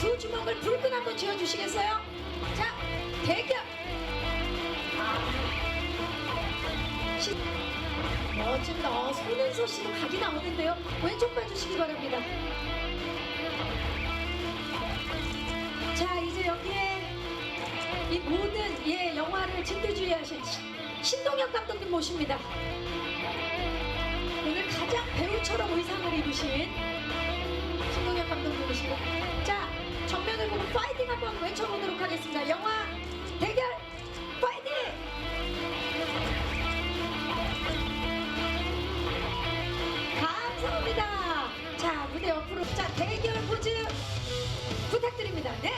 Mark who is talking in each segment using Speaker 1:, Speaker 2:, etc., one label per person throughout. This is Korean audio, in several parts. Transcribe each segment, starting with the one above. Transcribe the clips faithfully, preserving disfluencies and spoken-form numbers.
Speaker 1: 두 주먹을 불끈 한번 쥐어주시겠어요? 자, 대결. 시... 멋집니다. 어, 손은서 씨도 각이 나오는데요. 왼쪽 봐주시기 바랍니다. 자, 이제 여기에 이 모든 예 영화를 진두지휘하신 신동엽 감독님 모십니다. 오늘 가장 배우처럼 의상을 입으신 신동엽 감독님이시고, 자, 정면을 보고 파이팅 한번 외쳐보도록 하겠습니다. 영화 대결 파이팅! 감사합니다. 자, 무대 옆으로, 자, 대결 포즈 부탁드립니다. 네.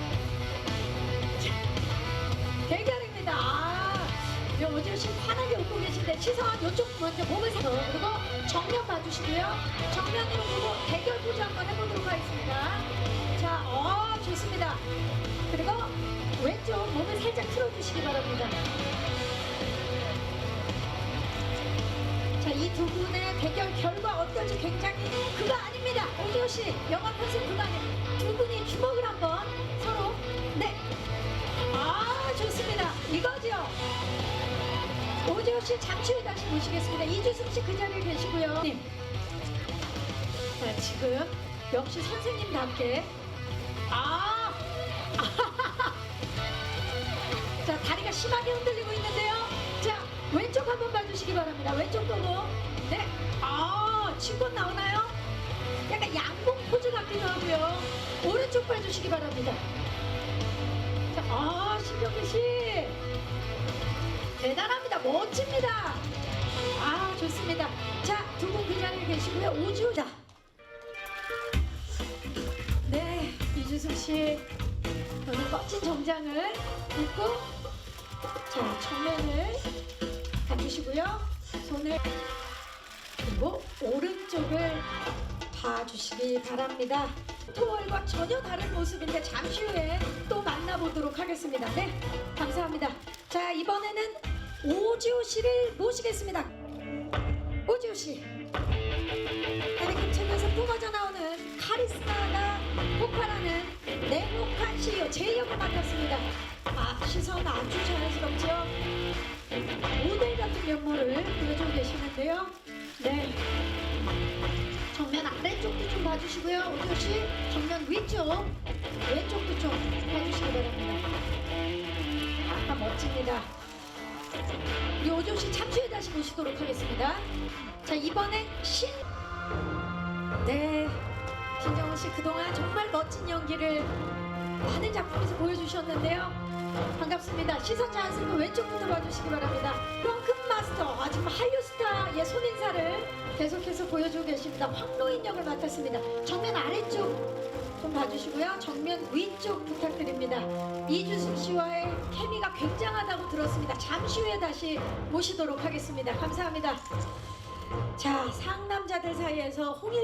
Speaker 1: 자, 대결입니다. 아, 오지호 씨 환하게 웃고 계신데 시선 이쪽 먼저 몸을 세고, 그리고 정면 봐주시고요. 정면으로 보고 대결 포즈 한번 해보도록 하겠습니다. 자, 어, 좋습니다. 그리고 왼쪽 몸을 살짝 틀어주시기 바랍니다. 자, 이 두 분의 대결 결과 어떨지 굉장히 그거 아닙니다. 오지호 씨, 영화 컨셉 그거 아니에요. 두 분이 주먹을 한번 서로, 네. 아, 좋습니다. 이거죠. 오지호 씨 잠시 후에 다시 모시겠습니다. 이주승 씨 그 자리에 계시고요. 님. 자, 지금 역시 선생님답게 아, 자, 다리가 심하게 흔들리고 있는데요. 자, 왼쪽 한번 봐주시기 바랍니다. 왼쪽 보고, 네, 아, 친권 나오나요? 약간 양봉 포즈 같기도 하고요. 오른쪽 봐주시기 바랍니다. 자, 아, 신경기 씨. 대단합니다. 멋집니다. 아, 좋습니다. 자, 두 분 그 자리에 계시고요. 오지호. 자, 네, 이주승 씨 오늘 멋진 정장을 입고, 자, 정면을 봐주시고요. 손을, 그리고 오른쪽을 봐주시기 바랍니다. 토월과 전혀 다른 모습인데 잠시 후에 또 만나보도록 하겠습니다. 네, 감사합니다. 자, 이번에는 오지호 씨를 모시겠습니다. 오지호 씨, 아니, 책에서 뿜어져 나오는 카리스마가 폭발하는 냉혹한 씨이오 제 역을 맡았습니다. 아, 시선 아주 자연스럽죠? 모델 같은 면모를 보여주고 계시는데요. 네, 정면 아래쪽도 좀 봐주시고요. 오지호 씨, 정면 위쪽, 왼쪽도 좀 봐주시기 바랍니다. 아, 멋집니다. 우리 오지호 씨 잠시 후에 다시 모시도록 하겠습니다. 자, 이번엔 신, 네, 신정훈 씨 그동안 정말 멋진 연기를 많은 작품에서 보여주셨는데요. 반갑습니다. 시선 자연스럽게 왼쪽부터 봐주시기 바랍니다. 펑크 마스터, 아, 정말 한류 스타의 손인사를 계속해서 보여주고 계십니다. 황로인 역을 맡았습니다. 정면 아래쪽 좀 봐주시고요. 정면 위쪽 부탁드립니다. 이주승 씨와의 케미가 굉장하다고 들었습니다. 잠시 후에 다시 모시도록 하겠습니다. 감사합니다. 자, 상남자들 사이에서 홍일,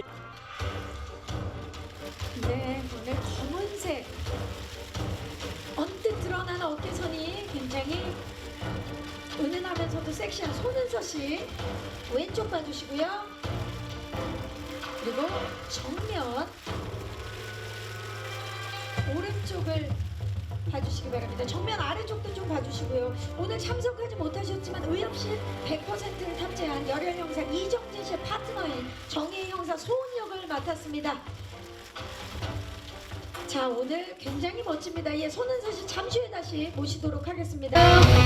Speaker 1: 네, 오늘 검은색 언뜻 드러나는 어깨선이 굉장히 은은하면서도 섹시한 손은서 씨 왼쪽 봐주시고요. 그리고 정면 오른쪽을 봐주시기 바랍니다. 정면 아래쪽도 좀 봐주시고요. 오늘 참석하지 못하셨지만 의협실 백 퍼센트를 탑재한 열혈 형사 이정진 씨의 파트너인 정혜희 형사 소은 역을 맡았습니다. 자, 오늘 굉장히 멋집니다. 예, 손은서 씨 잠시 후에 다시 모시도록 하겠습니다.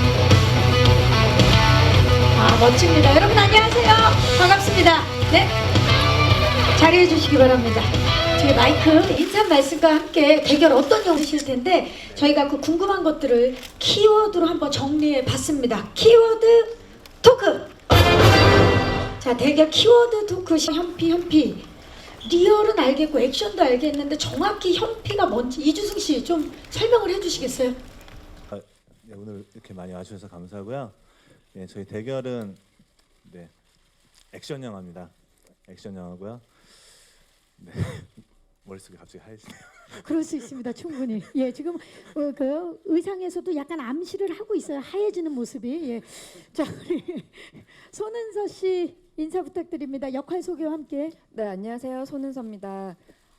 Speaker 1: 아, 멋집니다. 여러분 안녕하세요. 반갑습니다. 네, 자리해 주시기 바랍니다. 저희 마이크 인사 말씀과 함께 대결 어떤 영상이실 텐데 저희가 그 궁금한 것들을 키워드로 한번 정리해 봤습니다. 키워드 토크. 자, 대결 키워드 토크. 현피 현피 리얼은 알겠고 액션도 알겠는데 정확히 현피가 뭔지 이주승 씨 좀 설명을 해주시겠어요?
Speaker 2: 아, 네, 오늘 이렇게 많이 와주셔서 감사하고요. 네, 저희 대결은 네, 액션 영화입니다. 액션 영화고요. 네, 머릿속이 갑자기 하얘지네요.
Speaker 3: 그럴 수 있습니다. 충분히. 예, 지금 어, 그 의상에서도 약간 암시를 하고 있어요. 하얘지는 모습이. 예. 자, 우리 손은서 씨 인사 부탁드립니다. 역할 소개와 함께.
Speaker 4: 네, 안녕하세요. 손은서입니다.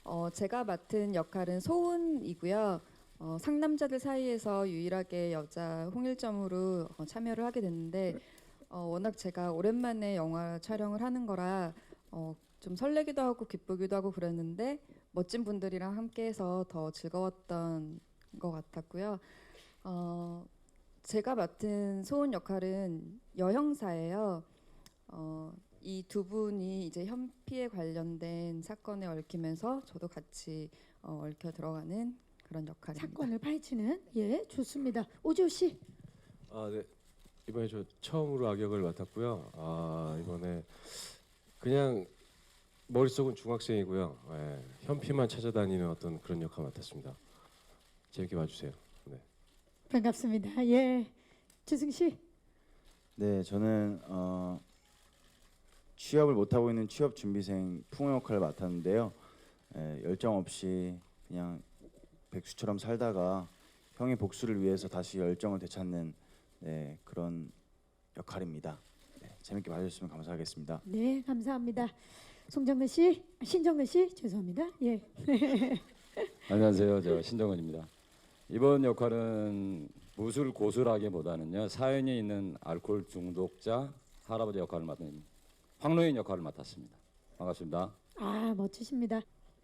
Speaker 4: 어, 제가 맡은 역할은 소은이고요. 어, 상남자들 사이에서 유일하게 여자 홍일점으로 어, 참여를 하게 됐는데 어, 워낙 제가 오랜만에 영화 촬영을 하는 거라 어, 좀 설레기도 하고 기쁘기도 하고 그랬는데 멋진 분들이랑 함께해서 더 즐거웠던 것 같았고요. 어, 제가 맡은 소은 역할은 여형사예요. 어, 이 두 분이 이제 현피에 관련된 사건에 얽히면서 저도 같이 어, 얽혀 들어가는 그런 역할입니다.
Speaker 3: 사건을 파헤치는 예 좋습니다. 오지호 씨.
Speaker 5: 아, 네. 이번에 저 처음으로 악역을 맡았고요. 아, 이번에 그냥 머릿속은 중학생이고요. 예, 현피만 찾아다니는 어떤 그런 역할 맡았습니다. 재밌게 봐주세요. 네.
Speaker 3: 반갑습니다. 예 주승 씨.
Speaker 6: 네, 저는 어, 취업을 못 하고 있는 취업 준비생 풍호 역할을 맡았는데요. 에, 열정 없이 그냥 백수처럼 살다가 형의 복수를 위해서 다시 열정을 되찾는 네, 그런 역할입니다. 네, 재밌게 봐주셨으면 감사하겠습니다.
Speaker 3: 네 감사합니다. 송정근 씨, 신정근 씨 죄송합니다. 예.
Speaker 7: 안녕하세요. 저 신정은입니다. 이번 역할은 무술 고수라기보다는요 사연이 있는 알코올 중독자 할아버지 역할을 맡은 황로인 역할을 맡았습니다. 반갑습니다.
Speaker 3: 아 멋지십니다.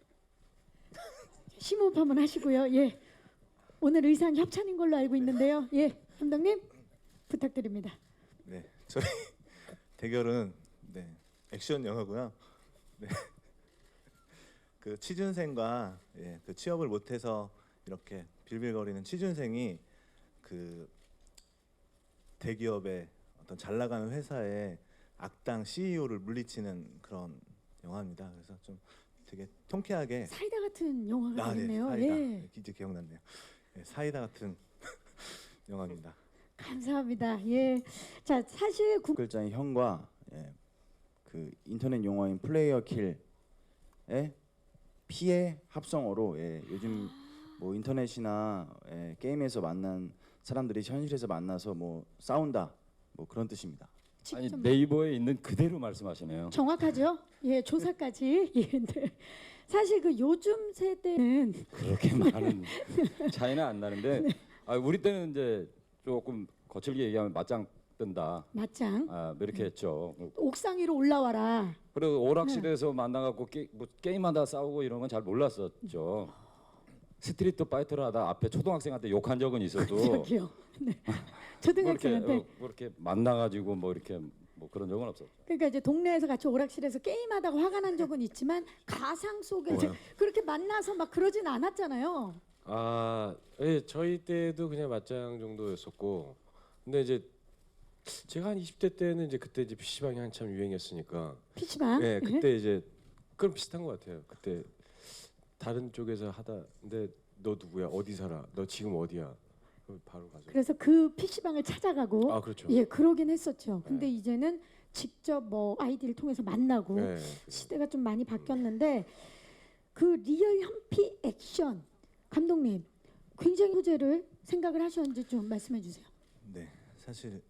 Speaker 3: 심호흡 한번 하시고요. 예. 오늘 의상 협찬인 걸로 알고 있는데요. 예, 감독님 부탁드립니다.
Speaker 2: 네, 저희 대결은 네, 액션 영화고요. 네. 그 취준생과 예, 그 취업을 못해서 이렇게 빌빌거리는 취준생이 그 대기업의 어떤 잘 나가는 회사의 악당 씨이오를 물리치는 그런 영화입니다. 그래서 좀 되게 통쾌하게
Speaker 3: 사이다 같은 영화가
Speaker 2: 아, 네,
Speaker 3: 되겠네요.
Speaker 2: 사이다.
Speaker 3: 예.
Speaker 2: 네, 이제 기억났네요. 네, 사이다 같은 영화입니다.
Speaker 3: 감사합니다. 예. 자 사실 구...
Speaker 6: 글자인 형과 예, 그 인터넷 용어인 플레이어 킬의 피의 합성어로 예, 요즘 뭐 인터넷이나 예, 게임에서 만난 사람들이 현실에서 만나서 뭐 싸운다 뭐 그런 뜻입니다.
Speaker 7: 아니
Speaker 3: 직접
Speaker 7: 네이버에 있는 그대로 말씀하시네요.
Speaker 3: 정확하죠? 예, 조사까지. 예, 네. 사실 그 요즘 세대는
Speaker 7: 그렇게 많은 차이는 안 나는데 아, 우리 때는 이제 조금 거칠게 얘기하면 맞짱 뜬다.
Speaker 3: 맞짱
Speaker 7: 아, 뭐 이렇게 했죠.
Speaker 3: 옥상 위로 올라와라.
Speaker 7: 그리고 오락실에서 만나갖고 게, 뭐 게임하다 싸우고 이런 건 잘 몰랐었죠. 스트리트 파이터를 하다 앞에 초등학생한테 욕한 적은 있어도
Speaker 3: 저기요. 네.
Speaker 7: 뭐 이렇게,
Speaker 3: 초등학생한테.
Speaker 7: 어, 뭐 이렇게 만나가지고 뭐 이렇게 뭐 그런 적은 없었죠.
Speaker 3: 그러니까 이제 동네에서 같이 오락실에서 게임하다가 화가 난 적은 있지만 가상 속에 이제
Speaker 2: 뭐요?
Speaker 3: 그렇게 만나서 막 그러진 않았잖아요.
Speaker 5: 아, 예, 저희 때도 그냥 맞짱 정도였었고, 근데 이제 제가 한 이십 대 때는 이제 그때 이제 피시방이 한참 유행했으니까,
Speaker 3: 피치방.
Speaker 5: 예, 그때 이제 그럼 비슷한 것 같아요. 그때 다른 쪽에서 하다, 근데 너 누구야? 어디 살아? 너 지금 어디야? 그럼 바로 가서.
Speaker 3: 그래서 그 피시방을 찾아가고
Speaker 5: 아, 그렇죠.
Speaker 3: 예, 그러긴 했었죠. 근데
Speaker 5: 네.
Speaker 3: 이제는 직접 뭐 아이디를 통해서 만나고
Speaker 5: 예.
Speaker 3: 시대가 좀 많이 바뀌었는데 그 리얼 현피 액션 감독님 굉장히 소재를 생각을 하셨는지 좀 말씀해 주세요.
Speaker 2: 네, 사실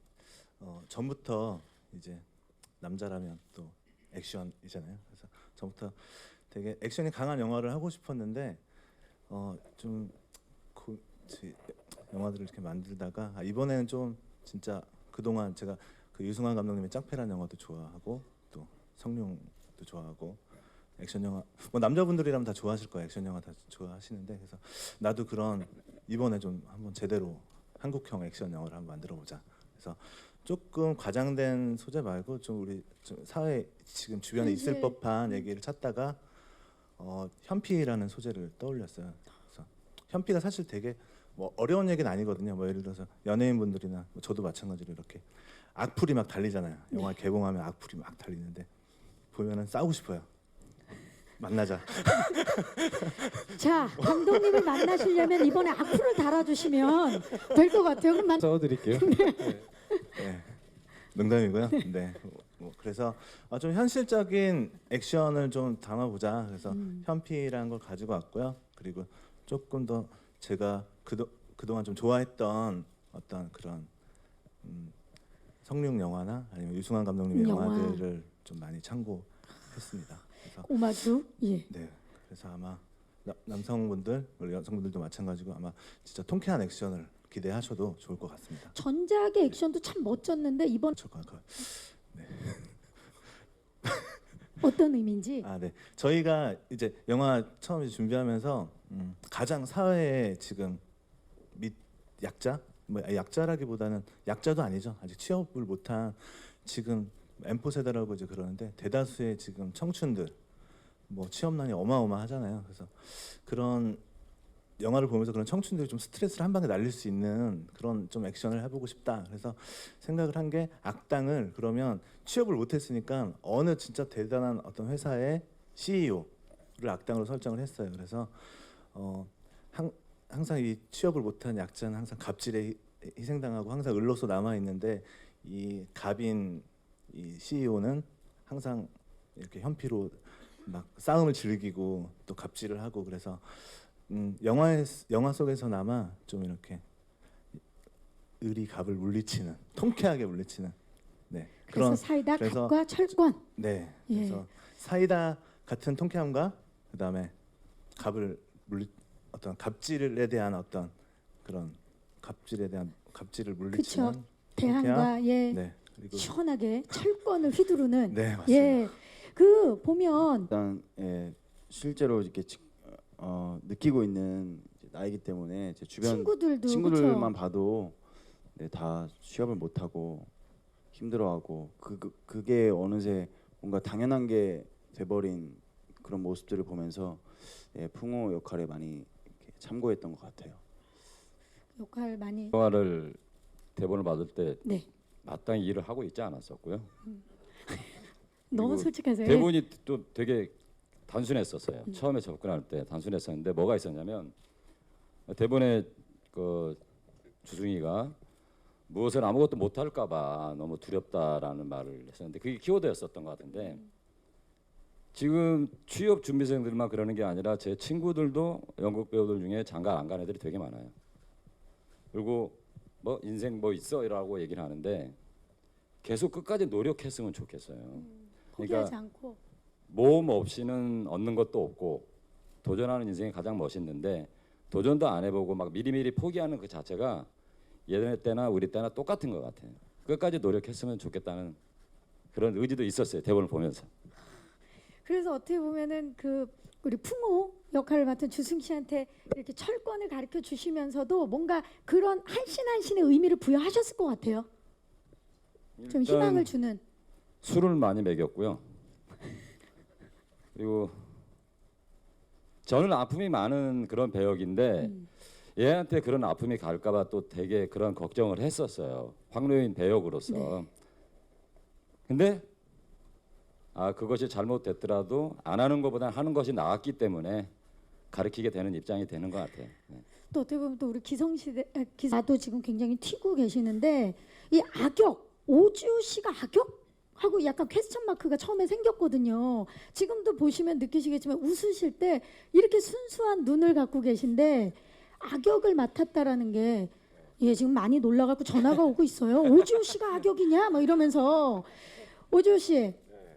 Speaker 2: 어, 전부터 이제 남자라면 또 액션이잖아요. 그래서 전부터 되게 액션이 강한 영화를 하고 싶었는데 어, 좀 고, 지, 영화들을 이렇게 만들다가 아, 이번에는 좀 진짜 그동안 제가 그 유승환 감독님의 짝패라는 영화도 좋아하고 또 성룡도 좋아하고 액션 영화 뭐 남자분들이라면 다 좋아하실 거예요. 액션 영화 다 좋아하시는데 그래서 나도 그런 이번에 좀 한번 제대로 한국형 액션 영화를 한번 만들어 보자. 그래서 조금 과장된 소재 말고 좀 우리 좀 사회 지금 주변에 있을
Speaker 3: 현실.
Speaker 2: 법한 얘기를 찾다가 어, 현피라는 소재를 떠올렸어요. 그래서 현피가 사실 되게 뭐 어려운 얘기는 아니거든요. 뭐 예를 들어서 연예인분들이나 뭐 저도 마찬가지로 이렇게 악플이 막 달리잖아요. 영화 개봉하면 악플이 막 달리는데 보면은 싸우고 싶어요. 만나자.
Speaker 3: 자 감독님을 만나시려면 이번에 악플을 달아주시면 될 것 같아요. 그럼 만...
Speaker 5: 써드릴게요.
Speaker 2: 네, 농담이고요. 네, 뭐 그래서 아, 좀 현실적인 액션을 좀 담아보자. 그래서
Speaker 3: 음.
Speaker 2: 현피라는 걸 가지고 왔고요. 그리고 조금 더 제가 그도 그동안 좀 좋아했던 어떤 그런 음, 성룡 영화나 아니면 유승환 감독님의
Speaker 3: 영화.
Speaker 2: 영화들을 좀 많이 참고했습니다. 그래서
Speaker 3: 오마주 예.
Speaker 2: 네, 그래서 아마 나, 남성분들, 우리 여성분들도 마찬가지고 아마 진짜 통쾌한 액션을 기대하셔도 좋을 것 같습니다.
Speaker 3: 전작의 액션도 참 멋졌는데 이번
Speaker 2: 잠깐,
Speaker 3: 어떤 의미인지.
Speaker 2: 아, 네. 저희가 이제 영화 처음 이제 준비하면서 음, 가장 사회에 지금 밑 약자, 뭐 약자라기보다는 약자도 아니죠. 아직 취업을 못한 지금 엠포 세대라고 이제 그러는데 대다수의 지금 청춘들 뭐 취업난이 어마어마하잖아요. 그래서 그런 영화를 보면서 그런 청춘들이 좀 스트레스를 한 방에 날릴 수 있는 그런 좀 액션을 해보고 싶다. 그래서 생각을 한 게 악당을 그러면 취업을 못했으니까 어느 진짜 대단한 어떤 회사의 씨이오를 악당으로 설정을 했어요. 그래서 어, 항, 항상 이 취업을 못한 약자는 항상 갑질에 희- 희생당하고 항상 을로서 남아 있는데 이 갑인 이 씨이오는 항상 이렇게 현피로 막 싸움을 즐기고 또 갑질을 하고 그래서 음, 영화의 영화 속에서나마 좀 이렇게 을이 갑을 물리치는 통쾌하게 물리치는 네
Speaker 3: 그래서
Speaker 2: 그런
Speaker 3: 사이다
Speaker 2: 그래서-
Speaker 3: 갑과 철권.
Speaker 2: 네
Speaker 3: 예.
Speaker 2: 그래서 사이다 같은 통쾌함과 그다음에 갑을 물리 어떤 갑질에 대한 어떤 그런 갑질에 대한 갑질을 물리치는
Speaker 3: 그쵸. 대항과 예
Speaker 2: 네 그리고
Speaker 3: 시원하게 철권을 휘두르는.
Speaker 2: 네 맞습니다.
Speaker 3: 예. 그 보면
Speaker 6: 일단 예, 실제로 이렇게 지- 어, 느끼고 있는 이제 나이기 때문에 제 주변
Speaker 3: 친구들도
Speaker 6: 친구들만
Speaker 3: 그쵸?
Speaker 6: 봐도 네, 다 취업을 못 하고 힘들어하고 그, 그 그게 어느새 뭔가 당연한 게 돼버린 그런 모습들을 보면서 예, 풍호 역할에 많이 이렇게 참고했던 것 같아요.
Speaker 3: 역할 많이.
Speaker 7: 영화를 대본을 받을 때
Speaker 3: 네.
Speaker 7: 마땅히 일을 하고 있지 않았었고요.
Speaker 3: 너무
Speaker 7: 그리고
Speaker 3: 솔직하세요. 예.
Speaker 7: 대본이 또 되게 단순했었어요. 처음에 접근할 때 단순했었는데 뭐가 있었냐면 대본에 그 주승이가 무엇을 아무것도 못할까봐 너무 두렵다라는 말을 했었는데 그게 키워드였었던 것 같은데 지금 취업 준비생들만 그러는 게 아니라 제 친구들도 연극 배우들 중에 장가 안 간 애들이 되게 많아요. 그리고 뭐 인생 뭐 있어라고 얘기를 하는데 계속 끝까지 노력했으면 좋겠어요.
Speaker 3: 포기하지
Speaker 7: 그러니까
Speaker 3: 않고.
Speaker 7: 모험 없이는 얻는 것도 없고 도전하는 인생이 가장 멋있는데 도전도 안 해보고 막 미리미리 포기하는 그 자체가 예전에 때나 우리 때나 똑같은 것 같아요. 끝까지 노력했으면 좋겠다는 그런 의지도 있었어요. 대본을 보면서.
Speaker 3: 그래서 어떻게 보면은 그 우리 풍호 역할을 맡은 주승 씨한테 이렇게 철권을 가르쳐 주시면서도 뭔가 그런 한신 한신의 의미를 부여하셨을 것 같아요. 좀
Speaker 7: 일단
Speaker 3: 희망을 주는.
Speaker 7: 술을 많이 먹였고요. 그리고 저는 아픔이 많은 그런 배역인데
Speaker 3: 음.
Speaker 7: 얘한테 그런 아픔이 갈까봐 또 되게 그런 걱정을 했었어요. 황로인 배역으로서.
Speaker 3: 네.
Speaker 7: 근데 아 그것이 잘못됐더라도 안 하는 것보다 하는 것이 나았기 때문에 가르치게 되는 입장이 되는 것 같아요. 네.
Speaker 3: 또 어떻게 보면 또 우리 기성시대 아, 기사도 지금 굉장히 튀고 계시는데 이 악역 오지호 씨가 악역? 하고 약간 퀘스천 마크가 처음에 생겼거든요. 지금도 보시면 느끼시겠지만 웃으실 때 이렇게 순수한 눈을 갖고 계신데 악역을 맡았다라는 게 예, 지금 많이 놀라갖고 전화가 오고 있어요. 오지호 씨가 악역이냐? 막 이러면서 오지호 씨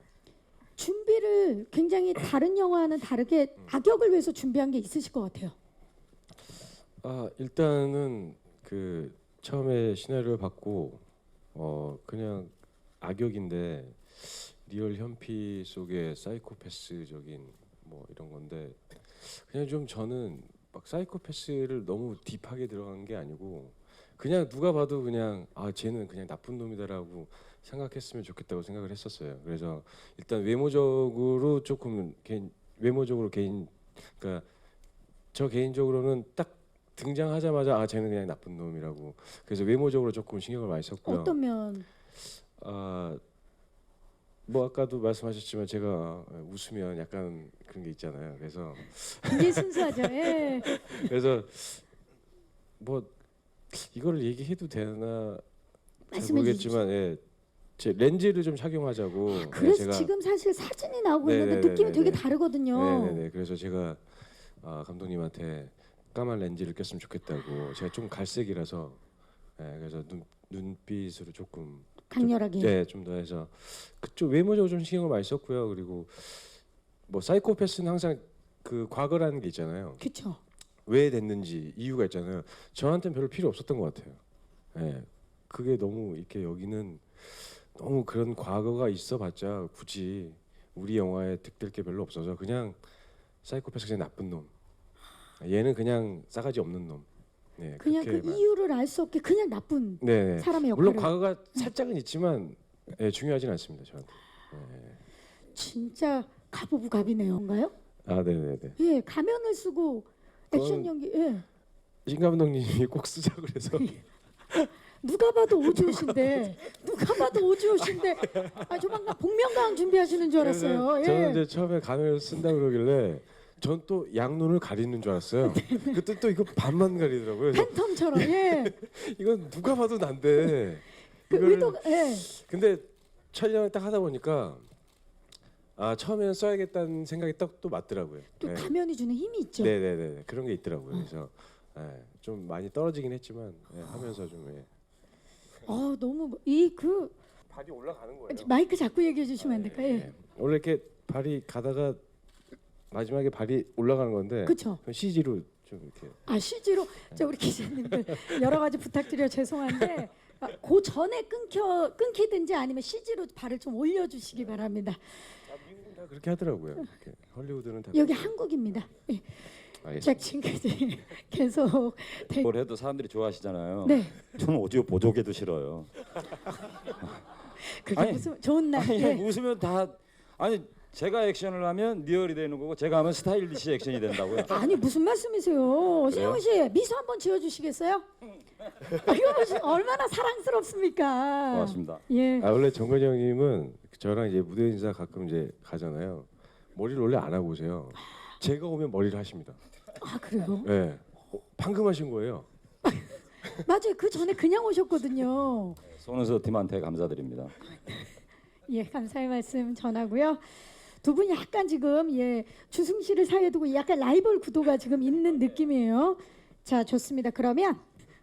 Speaker 3: 준비를 굉장히 다른 영화와는 다르게 악역을 위해서 준비한 게 있으실 것 같아요.
Speaker 5: 아 일단은 그 처음에 시나리오를 받고 어 그냥 악역인데 리얼 현피 속의 사이코패스적인 뭐 이런 건데 그냥 좀 저는 막 사이코패스를 너무 딥하게 들어간 게 아니고 그냥 누가 봐도 그냥 아 쟤는 그냥 나쁜 놈이다라고 생각했으면 좋겠다고 생각을 했었어요. 그래서 일단 외모적으로 조금 개인 외모적으로 개인 그러니까 저 개인적으로는 딱 등장하자마자 아 쟤는 그냥 나쁜 놈이라고 그래서 외모적으로 조금 신경을 많이 썼고요.
Speaker 3: 어떤 면?
Speaker 5: 아, 뭐 아까도 말씀하셨지만 제가 웃으면 약간 그런 게 있잖아요. 그래서
Speaker 3: 굉장히 순수하죠. 예.
Speaker 5: 그래서 뭐 이거를 얘기해도 되나 잘
Speaker 3: 말씀해
Speaker 5: 모르겠지만 예, 제 렌즈를 좀 착용하자고. 예,
Speaker 3: 그래서
Speaker 5: 제가
Speaker 3: 지금 사실 사진이 나오고
Speaker 5: 네네네네네.
Speaker 3: 있는데 느낌이 되게 다르거든요.
Speaker 5: 네네네. 그래서 제가 아, 감독님한테 까만 렌즈를 꼈으면 좋겠다고. 제가 좀 갈색이라서 예, 그래서 눈 눈빛으로 조금
Speaker 3: 강렬하게.
Speaker 5: 네, 좀 더 해서 그쪽 외모적으로 좀 신경을 많이 썼고요. 그리고 뭐 사이코패스는 항상 그 과거라는 게 있잖아요.
Speaker 3: 그렇죠.
Speaker 5: 왜 됐는지 이유가 있잖아요. 저한테는 별로 필요 없었던 것 같아요. 예, 그게 너무 이렇게 여기는 너무 그런 과거가 있어봤자 굳이 우리 영화에 득될 게 별로 없어서 그냥 사이코패스 그냥 나쁜 놈. 얘는 그냥 싸가지 없는 놈. 네,
Speaker 3: 그냥 그
Speaker 5: 그렇게 말-
Speaker 3: 이유를 알 수 없게 그냥 나쁜
Speaker 5: 네, 네.
Speaker 3: 사람의 역할을.
Speaker 5: 물론 과거가 살짝은 있지만 예, 중요하진 않습니다 저한테.
Speaker 3: 진짜 가보부갑이네요. 뭔가요?
Speaker 5: 아, 네, 네, 네.
Speaker 3: 예, 가면을 쓰고 액션
Speaker 5: 그건-
Speaker 3: 연기. 예.
Speaker 5: 신 감독님이 꼭 쓰자 그래서
Speaker 3: 누가 봐도 오지호신데 누가 봐도 오지호신데 아 조만간 복면가왕 준비하시는 줄 알았어요.
Speaker 5: 그래서
Speaker 3: 예.
Speaker 5: 저는 이제 처음에 가면을 쓴다 그러길래 전 또 양눈을 가리는 줄 알았어요. 그때 또 이거 반만 가리더라고요. 그래서
Speaker 3: 팬텀처럼. 예.
Speaker 5: 이건 누가 봐도 난데.
Speaker 3: 그
Speaker 5: 이걸-
Speaker 3: 의도가 예.
Speaker 5: 근데 촬영을 딱 하다 보니까 아 처음에는 써야겠다는 생각이 딱 또 맞더라고요.
Speaker 3: 또
Speaker 5: 네.
Speaker 3: 가면이 주는 힘이 있죠.
Speaker 5: 네네네 그런 게 있더라고요. 그래서 예, 좀 많이 떨어지긴 했지만 예, 하면서 좀 예.
Speaker 3: 아 너무 이 그
Speaker 5: 발이 올라가는 거예요.
Speaker 3: 마이크 잡고 얘기해 주시면 안 될까요? 예.
Speaker 5: 예. 원래 이렇게 발이 가다가 마지막에 발이 올라가는 건데
Speaker 3: 그렇죠.
Speaker 5: 씨지로 좀 이렇게
Speaker 3: 아 씨지로 자 우리 기자님들 여러 가지 부탁드려 죄송한데 아, 그 전에 끊겨 끊기든지 아니면 씨지로 발을 좀 올려주시기 바랍니다.
Speaker 5: 미국은 다 그렇게 하더라고요. 이렇게. 헐리우드는 다
Speaker 3: 여기
Speaker 5: 그렇게.
Speaker 3: 한국입니다. 예.
Speaker 7: 알겠습니다.
Speaker 3: 자 지금까지 계속 대...
Speaker 7: 뭘 해도 사람들이 좋아하시잖아요.
Speaker 3: 네.
Speaker 7: 저는 오디오 보조개도 싫어요.
Speaker 3: 그게
Speaker 7: 아니,
Speaker 3: 무슨 좋은 날.
Speaker 7: 아니
Speaker 3: 예.
Speaker 7: 웃으면 다 아니 제가 액션을 하면 리얼이 되는 거고 제가 하면 스타일리시 액션이 된다고요.
Speaker 3: 아니 무슨 말씀이세요? 신영 씨 미소 한번 지어주시겠어요? 아, 이거 보시 얼마나 사랑스럽습니까?
Speaker 7: 고맙습니다.
Speaker 3: 예.
Speaker 5: 아 원래 정건이 형님은 저랑 이제 무대 인사 가끔 이제 가잖아요. 머리를 원래 안 하고 오세요. 제가 오면 머리를 하십니다.
Speaker 3: 아 그래요?
Speaker 5: 예. 어, 방금 하신 거예요.
Speaker 3: 맞아요. 그 전에 그냥 오셨거든요.
Speaker 7: 손은서 팀한테 감사드립니다.
Speaker 3: 예, 감사의 말씀 전하고요. 두 분이 약간 지금 예 주승 씨를 사이에 두고 약간 라이벌 구도가 지금 있는 느낌이에요. 자, 좋습니다. 그러면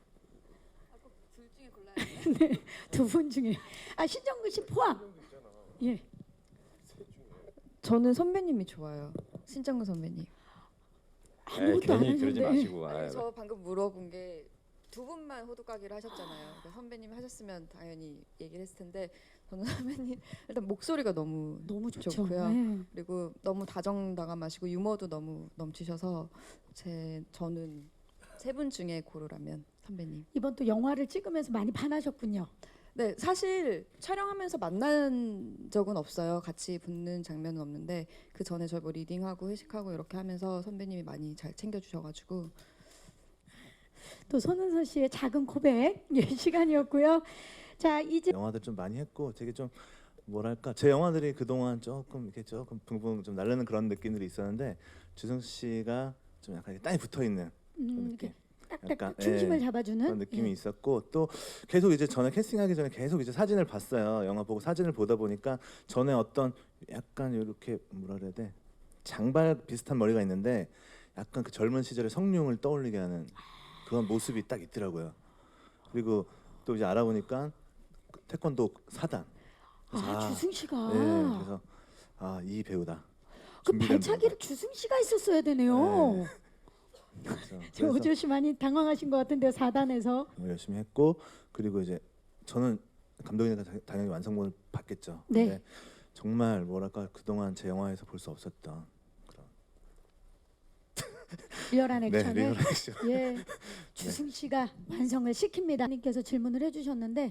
Speaker 3: 네, 두 분 중에 아 신정근 씨 포함. 예.
Speaker 4: 저는 선배님이 좋아요. 신정근 선배님.
Speaker 7: 에이,
Speaker 3: 아무것도 안
Speaker 7: 괜히 그러지
Speaker 3: 하셨는데.
Speaker 7: 마시고.
Speaker 4: 아니,
Speaker 7: 아유,
Speaker 4: 저 방금 물어본 게 두 분만 호두까기를 하셨잖아요. 그러니까 선배님 하셨으면 당연히 얘기를 했을 텐데 저는 선배님 일단 목소리가 너무
Speaker 3: 너무 좋죠.
Speaker 4: 좋고요.
Speaker 3: 네.
Speaker 4: 그리고 너무 다정다감하시고 유머도 너무 넘치셔서 제 저는 세 분 중에 고르라면 선배님.
Speaker 3: 이번 또 영화를 찍으면서 많이 반하셨군요.
Speaker 4: 네, 사실 촬영하면서 만난 적은 없어요. 같이 붙는 장면은 없는데 그 전에 저희 뭐 리딩하고 회식하고 이렇게 하면서 선배님이 많이 잘 챙겨주셔가지고
Speaker 3: 또 손은서 씨의 작은 고백 예, 시간이었고요. 자 이제
Speaker 2: 영화들 좀 많이 했고 되게 좀 뭐랄까 제 영화들이 그동안 조금 이렇게 조금 붕붕 좀 날르는 그런 느낌들이 있었는데 주승 씨가 좀 약간 이렇게 땅에 붙어 있는
Speaker 3: 음,
Speaker 2: 느낌.
Speaker 3: 이렇게 딱딱
Speaker 2: 약간,
Speaker 3: 중심을
Speaker 2: 예,
Speaker 3: 잡아주는
Speaker 2: 그런 느낌이
Speaker 3: 예.
Speaker 2: 있었고 또 계속 이제 전에 캐스팅하기 전에 계속 이제 사진을 봤어요. 영화 보고 사진을 보다 보니까 전에 어떤 약간 이렇게 뭐라 그래야 돼 장발 비슷한 머리가 있는데 약간 그 젊은 시절의 성룡을 떠올리게 하는 그런 모습이 딱 있더라고요. 그리고 또 이제 알아보니까 태권도 사단.
Speaker 3: 아, 주승 씨가
Speaker 2: 네, 그래서 아 이 배우다.
Speaker 3: 그
Speaker 2: 준비된
Speaker 3: 발차기를 주승 씨가 있었어야 되네요.
Speaker 2: 네. 그래서,
Speaker 3: 저
Speaker 2: 그래서
Speaker 3: 오지호 씨 많이 당황하신 것 같은데요. 사단에서.
Speaker 2: 정말 열심히 했고 그리고 이제 저는 감독이니까 다- 당연히 완성본을 봤겠죠.
Speaker 3: 네.
Speaker 2: 근데 정말 뭐랄까 그동안 제 영화에서 볼 수 없었던 그런
Speaker 3: 리얼한
Speaker 2: 네,
Speaker 3: 액션을
Speaker 2: 리얼 액션.
Speaker 3: 예 주승 씨가 완성을 시킵니다. 님께서 질문을 해주셨는데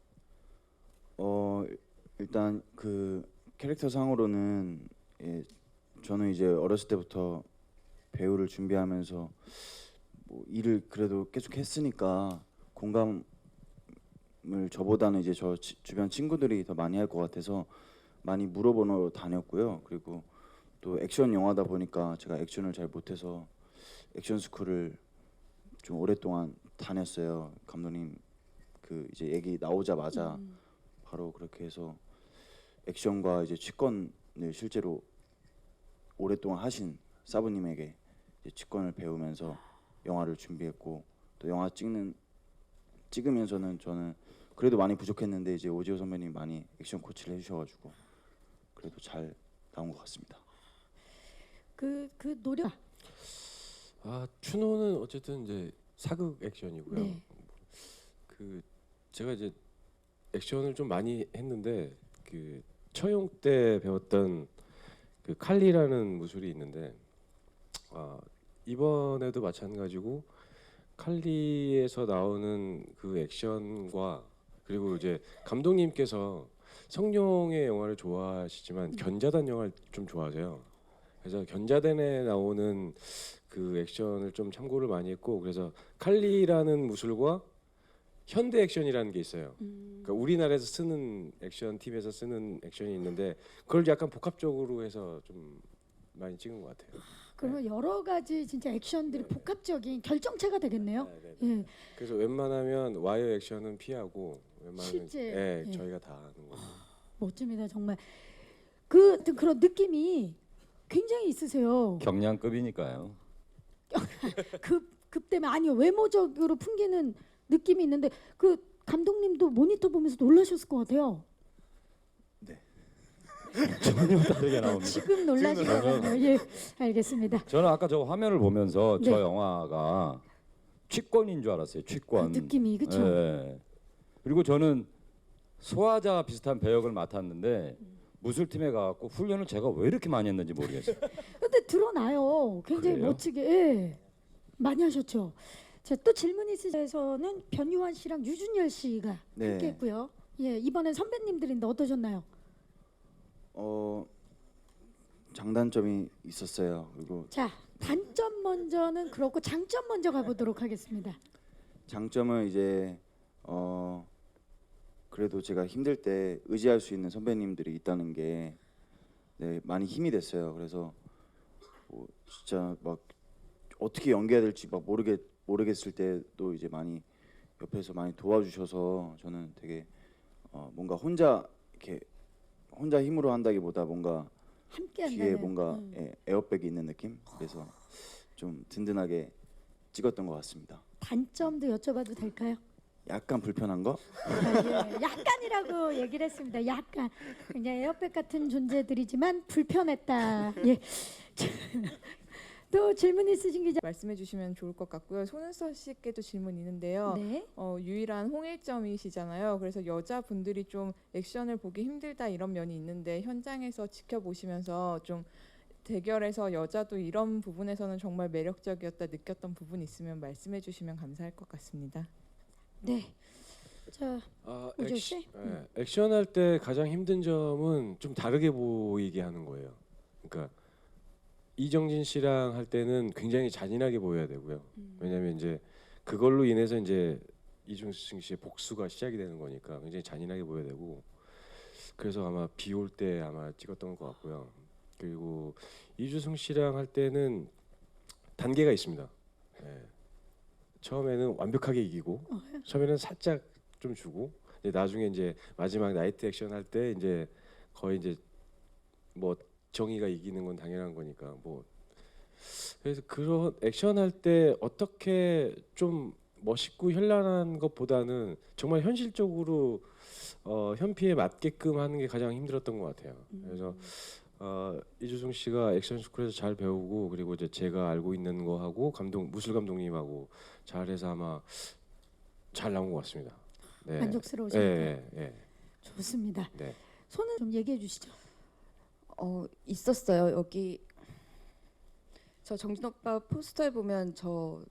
Speaker 6: 어 일단 그 캐릭터 상으로는 예, 저는 이제 어렸을 때부터 배우를 준비하면서 뭐 일을 그래도 계속 했으니까 공감을 저보다는 이제 저 치- 주변 친구들이 더 많이 할 것 같아서 많이 물어보러 다녔고요. 그리고 또 액션 영화다 보니까 제가 액션을 잘 못해서 액션 스쿨을 좀 오랫동안 다녔어요. 감독님 그 이제 얘기 나오자마자
Speaker 3: 음,
Speaker 6: 바로 그렇게 해서 액션과 이제 치권을 실제로 오랫동안 하신 사부님에게 이제 치권을 배우면서 영화를 준비했고 또 영화 찍는 찍으면서는 저는 그래도 많이 부족했는데 이제 오지호 선배님 많이 액션 코치를 해주셔가지고 그래도 잘 나온 것 같습니다.
Speaker 3: 그 그 노력.
Speaker 5: 아 추노는 어쨌든 이제 사극 액션이고요.
Speaker 3: 네.
Speaker 5: 그 제가 이제 액션을 좀 많이 했는데 그 처용 때 배웠던 그 칼리라는 무술이 있는데 아 이번에도 마찬가지고 칼리에서 나오는 그 액션과 그리고 이제 감독님께서 성룡의 영화를 좋아하시지만 견자단 영화를 좀 좋아하세요. 그래서 견자단에 나오는 그 액션을 좀 참고를 많이 했고 그래서 칼리라는 무술과 현대 액션이라는 게 있어요. 그러니까 우리나라에서 쓰는 액션 팀에서 쓰는 액션이 있는데 그걸 약간 복합적으로 해서 좀 많이 찍은 것 같아요.
Speaker 3: 그러면 여러 가지 진짜 액션들이 복합적인 결정체가 되겠네요.
Speaker 5: 네, 네.
Speaker 3: 예.
Speaker 5: 그래서 웬만하면 와이어 액션은 피하고 웬만하면
Speaker 3: 실제,
Speaker 5: 예,
Speaker 3: 예.
Speaker 5: 저희가 다 하는 거예요.
Speaker 3: 멋집니다 정말. 그 어떤 그런 느낌이 굉장히 있으세요.
Speaker 7: 경량급이니까요.
Speaker 3: 급, 급 때문에 아니요 외모적으로 풍기는 느낌이 있는데 그 감독님도 모니터 보면서 놀라셨을 것 같아요.
Speaker 7: 전혀 다르게 나옵니다.
Speaker 3: 지금 놀라시거든요. 예, 알겠습니다.
Speaker 7: 저는 아까 저 화면을 보면서
Speaker 3: 네.
Speaker 7: 저 영화가 취권인 줄 알았어요. 취권.
Speaker 3: 그 느낌이 그렇죠.
Speaker 7: 예. 그리고 저는 소화자 비슷한 배역을 맡았는데 무술팀에 가갖고 훈련을 제가 왜 이렇게 많이 했는지 모르겠어요.
Speaker 3: 근데 드러나요. 굉장히
Speaker 7: 그래요?
Speaker 3: 멋지게 예. 많이 하셨죠. 자, 또 질문 있으셔서는 변유한 씨랑 유준열 씨가
Speaker 6: 네.
Speaker 3: 함께했고요. 예, 이번엔 선배님들인데 어떠셨나요?
Speaker 6: 어 장단점이 있었어요. 그리고
Speaker 3: 자, 단점 먼저는 그렇고 장점 먼저 가보도록 하겠습니다.
Speaker 6: 장점은 이제 어 그래도 제가 힘들 때 의지할 수 있는 선배님들이 있다는 게 네, 많이 힘이 됐어요. 그래서 뭐 진짜 막 어떻게 연기해야 될지 막 모르겠 모르겠을 때도 이제 많이 옆에서 많이 도와주셔서 저는 되게 어 뭔가 혼자 이렇게 혼자 힘으로 한다기보다 뭔가
Speaker 3: 함께
Speaker 6: 뒤에
Speaker 3: 한다는
Speaker 6: 뭔가
Speaker 3: 음.
Speaker 6: 예, 에어백이 있는 느낌. 그래서 좀 든든하게 찍었던 것 같습니다.
Speaker 3: 단점도 여쭤봐도 될까요?
Speaker 6: 약간 불편한 거?
Speaker 3: 아, 예, 약간이라고 얘기를 했습니다. 약간 그냥 에어백 같은 존재들이지만 불편했다. 예. 또 질문 있으신 기자?
Speaker 8: 말씀해 주시면 좋을 것 같고요. 손은서 씨께도 질문 있는데요.
Speaker 3: 네.
Speaker 8: 어, 유일한 홍일점이시잖아요. 그래서 여자분들이 좀 액션을 보기 힘들다 이런 면이 있는데 현장에서 지켜보시면서 좀 대결에서 여자도 이런 부분에서는 정말 매력적이었다 느꼈던 부분 있으면 말씀해 주시면 감사할 것 같습니다.
Speaker 3: 네. 자,
Speaker 5: 아,
Speaker 3: 오조
Speaker 5: 액,
Speaker 3: 씨?
Speaker 5: 예, 액션 할 때 가장 힘든 점은 좀 다르게 보이게 하는 거예요. 그러니까 이정진 씨랑 할 때는 굉장히 잔인하게 보여야 되고요. 왜냐하면 이제 그걸로 인해서 이제 이중승 씨의 복수가 시작이 되는 거니까 굉장히 잔인하게 보여야 되고 그래서 아마 비 올 때 아마 찍었던 것 같고요. 그리고 이주승 씨랑 할 때는 단계가 있습니다. 예. 처음에는 완벽하게 이기고 처음에는 살짝 좀 주고 이제 나중에 이제 마지막 나이트 액션 할 때 이제 거의 이제 뭐 정의가 이기는 건 당연한 거니까 뭐 그래서 그런 액션 할 때 어떻게 좀 멋있고 현란한 것보다는 정말 현실적으로 어, 현피에 맞게끔 하는 게 가장 힘들었던 것 같아요. 그래서 어, 이주승 씨가 액션 스쿨에서 잘 배우고 그리고 이제 제가 알고 있는 거 하고 감독 무술 감독님하고 잘해서 아마 잘 나온 것 같습니다. 네.
Speaker 3: 만족스러우십니까?
Speaker 5: 예, 예, 예.
Speaker 3: 좋습니다.
Speaker 5: 네.
Speaker 3: 손은 좀 얘기해 주시죠.
Speaker 4: 어 있었어요. 여기 저 정진 오빠 포스터에 보면 저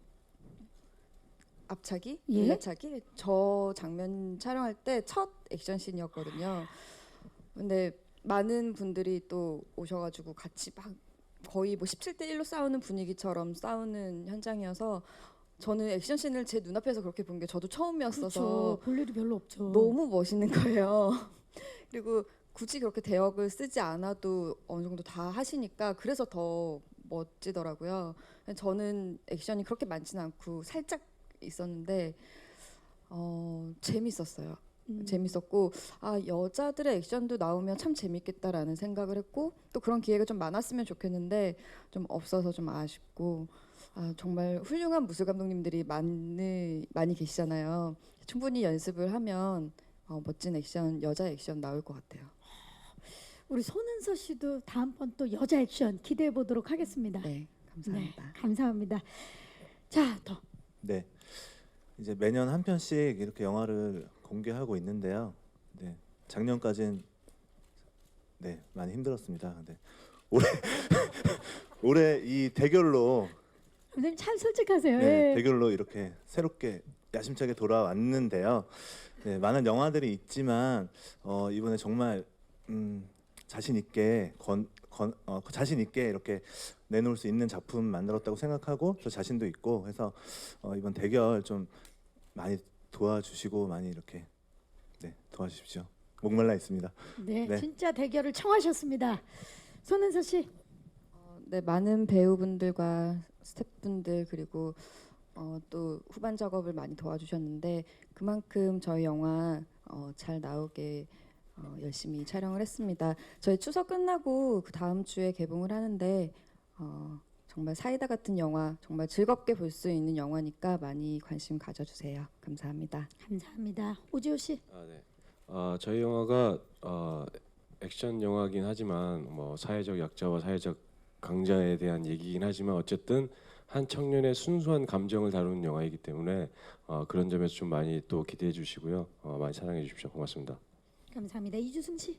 Speaker 4: 앞차기,
Speaker 3: 예?
Speaker 4: 뒤차기 저 장면 촬영할 때 첫 액션 씬이었거든요. 근데 많은 분들이 또 오셔가지고 같이 막 거의 뭐 십칠 대 일로 싸우는 분위기처럼 싸우는 현장이어서 저는 액션 씬을 제 눈앞에서 그렇게 본 게 저도 처음이었어서
Speaker 3: 그렇죠. 볼 일이 별로 없죠.
Speaker 4: 너무 멋있는 거예요. 그리고 굳이 그렇게 대역을 쓰지 않아도 어느 정도 다 하시니까 그래서 더 멋지더라고요. 저는 액션이 그렇게 많지는 않고 살짝 있었는데 어, 재밌었어요.
Speaker 3: 음.
Speaker 4: 재밌었고 아 여자들의 액션도 나오면 참 재밌겠다라는 생각을 했고 또 그런 기회가 좀 많았으면 좋겠는데 좀 없어서 좀 아쉽고 아 정말 훌륭한 무술 감독님들이 많이 많이 계시잖아요. 충분히 연습을 하면 어, 멋진 액션 여자 액션 나올 것 같아요.
Speaker 3: 우리 손은서 씨도 다음번 또 여자 액션 기대해 보도록 하겠습니다.
Speaker 4: 네, 감사합니다.
Speaker 3: 네, 감사합니다. 자, 더.
Speaker 2: 네. 이제 매년 한 편씩 이렇게 영화를 공개하고 있는데요. 네. 작년까진 네, 많이 힘들었습니다. 네. 올해 올해 이 대결로
Speaker 3: 선생님 참 솔직하세요.
Speaker 2: 네,
Speaker 3: 예.
Speaker 2: 대결로 이렇게 새롭게 야심차게 돌아왔는데요. 네, 많은 영화들이 있지만 어, 이번에 정말 음, 자신 있게 건, 건, 어, 자신 있게 이렇게 내놓을 수 있는 작품 만들었다고 생각하고 저 자신도 있고 해서 어, 이번 대결 좀 많이 도와주시고 많이 이렇게 네, 도와주십시오. 목말라 있습니다.
Speaker 3: 네,
Speaker 2: 네.
Speaker 3: 진짜 대결을 청하셨습니다. 손은서 씨.
Speaker 4: 어, 네, 많은 배우분들과 스태프분들 그리고 어, 또 후반 작업을 많이 도와주셨는데 그만큼 저희 영화 어, 잘 나오게 어, 열심히 촬영을 했습니다. 저희 추석 끝나고 그 다음 주에 개봉을 하는데 어, 정말 사이다 같은 영화, 정말 즐겁게 볼 수 있는 영화니까 많이 관심 가져주세요. 감사합니다.
Speaker 3: 감사합니다. 오지호 씨.
Speaker 5: 아, 네. 아, 저희 영화가 어, 액션 영화긴 하지만 뭐 사회적 약자와 사회적 강자에 대한 얘기긴 하지만 어쨌든 한 청년의 순수한 감정을 다루는 영화이기 때문에 어, 그런 점에서 좀 많이 또 기대해 주시고요. 어, 많이 사랑해 주십시오. 고맙습니다.
Speaker 3: 감사합니다. 이주승 씨.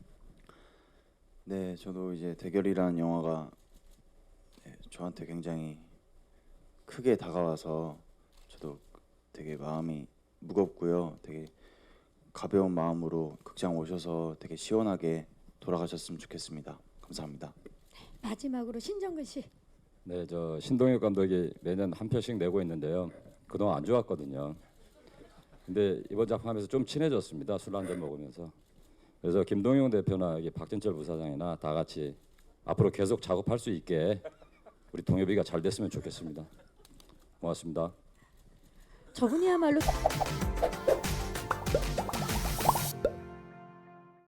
Speaker 6: 네, 저도 이제 대결이라는 영화가 네, 저한테 굉장히 크게 다가와서 저도 되게 마음이 무겁고요. 되게 가벼운 마음으로 극장 오셔서 되게 시원하게 돌아가셨으면 좋겠습니다. 감사합니다.
Speaker 3: 마지막으로 신정근 씨.
Speaker 7: 네, 저 신동엽 감독이 매년 한 편씩 내고 있는데요. 그동안 안 좋았거든요. 근데 이번 작품하면서 좀 친해졌습니다. 술 한잔 먹으면서. 그래서 김동영 대표나 여기 박진철 부사장이나 다 같이 앞으로 계속 작업할 수 있게 우리 동엽이가 잘 됐으면 좋겠습니다. 고맙습니다.
Speaker 3: 저분이야말로